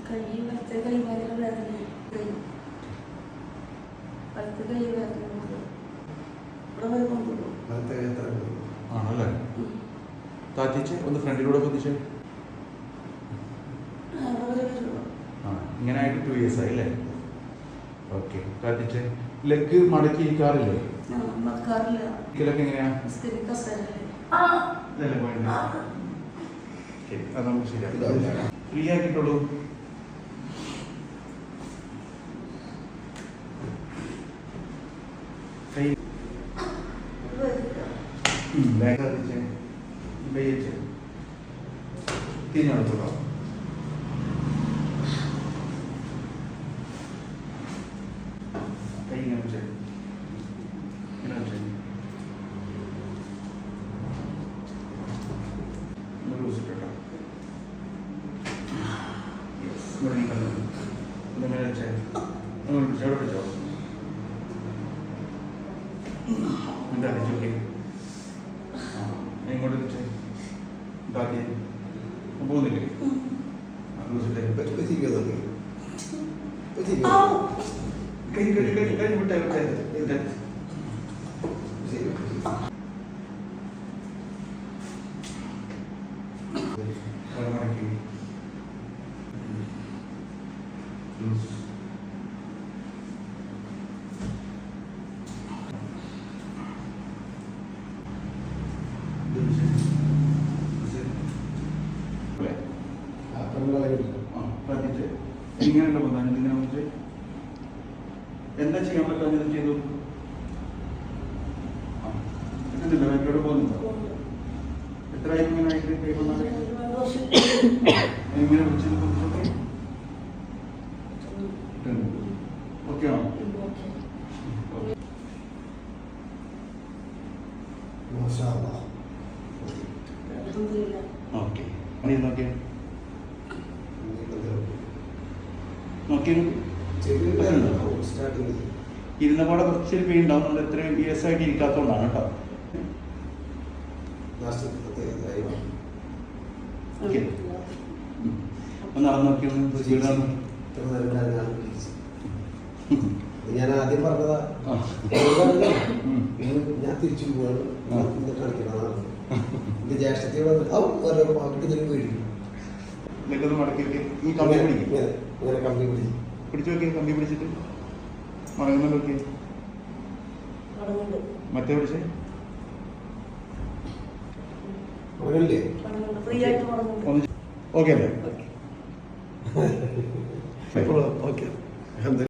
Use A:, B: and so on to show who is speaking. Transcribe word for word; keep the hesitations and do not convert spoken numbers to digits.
A: കൈ വലത്തെ കൈ ഭയങ്കര വേദന. കൈ വലത്തെ കൈ വേദന ഇവിടെ വരെ കൊണ്ടുപോകും.
B: ആണല്ലേ? താത്തിച്ച് ഒന്ന് ഫ്രണ്ടിലൂടെ പൊതിച്ച്. ആ ഇങ്ങനെ ആയിട്ട് ടു ഇയേഴ്സ് ആയി അല്ലേ? ഓക്കെ. താത്തിച്ച് ലെഗ് മടക്കി ഇരിക്കാറില്ലേ? ഇരിക്കലൊക്കെ എങ്ങനെയാ? ഇതല്ലേ പോയിന്റ്? ശരി, അത് നമുക്ക് ശരിയാക്കാം. ഫ്രീ ആക്കിയിട്ടുള്ളൂ. കൈ ബാക്ക് കത്തിച്ച് വെയിച്ച് തിരിഞ്ഞെടുത്തോളൂ. കൈ ഇങ്ങനെ വെച്ച് ഇങ്ങനെ വെച്ച് ലൂസ് ഇട്ടോ. ഇങ്ങനെ വെച്ച് എവിടെ വെച്ചോ എന്താ ചോക്കെ ഇങ്ങോട്ട് വെച്ച് ഇതാക്കി പോകുന്നില്ലേ? കൈ കൈ കൈ കൈ വിട്ടേ വിട്ടേ വിട്ടേ മടക്കി ഇങ്ങനെയുള്ള പ്രധാനം ഇതിനെ കുറിച്ച് എന്താ ചെയ്യാൻ പറ്റാൻ ചെയ്തു? എത്തുന്നില്ല, ബാക്കിലോട്ട് പോകുന്നുണ്ടോ? എത്ര ആയി ഇങ്ങനെ ആയിട്ട് കൈകൊണ്ടാണ് ഇങ്ങനെ വിളിച്ചത്? ഓക്കെ ആണോ? ഓക്കെ. നോക്കിയ നോക്കിയ ഇരുന്ന പാടെ കുറച്ചൊരു പെയിൻ ഉണ്ടാവും. നമ്മൾ എത്രയും ഇയേഴ്സ് ആയിട്ട് ഇരിക്കാത്തതുകൊണ്ടാണ് കേട്ടോ. ഓക്കെ, ഒന്ന് നടന്നു നോക്കി.
C: ഞാൻ ആദ്യം പറഞ്ഞതാ, ഞാൻ തിരിച്ചു പോവാണ് കളിക്കണം. എന്റെ ജ്യേഷ്ഠത്തിയോട് പാട്ടിട്ട് പേടിക്കും.
B: ഈ കമ്പി പിടിക്കും,
C: ഇങ്ങനെ കമ്പി പിടിക്കും.
B: പിടിച്ചു നോക്കിയ കമ്പി പിടിച്ചിട്ട് മടങ്ങുന്നുണ്ട്. നോക്കിയേ മറ്റേ പിടിച്ചേ ഓക്കെ അല്ലേ?
C: ഓക്കെ.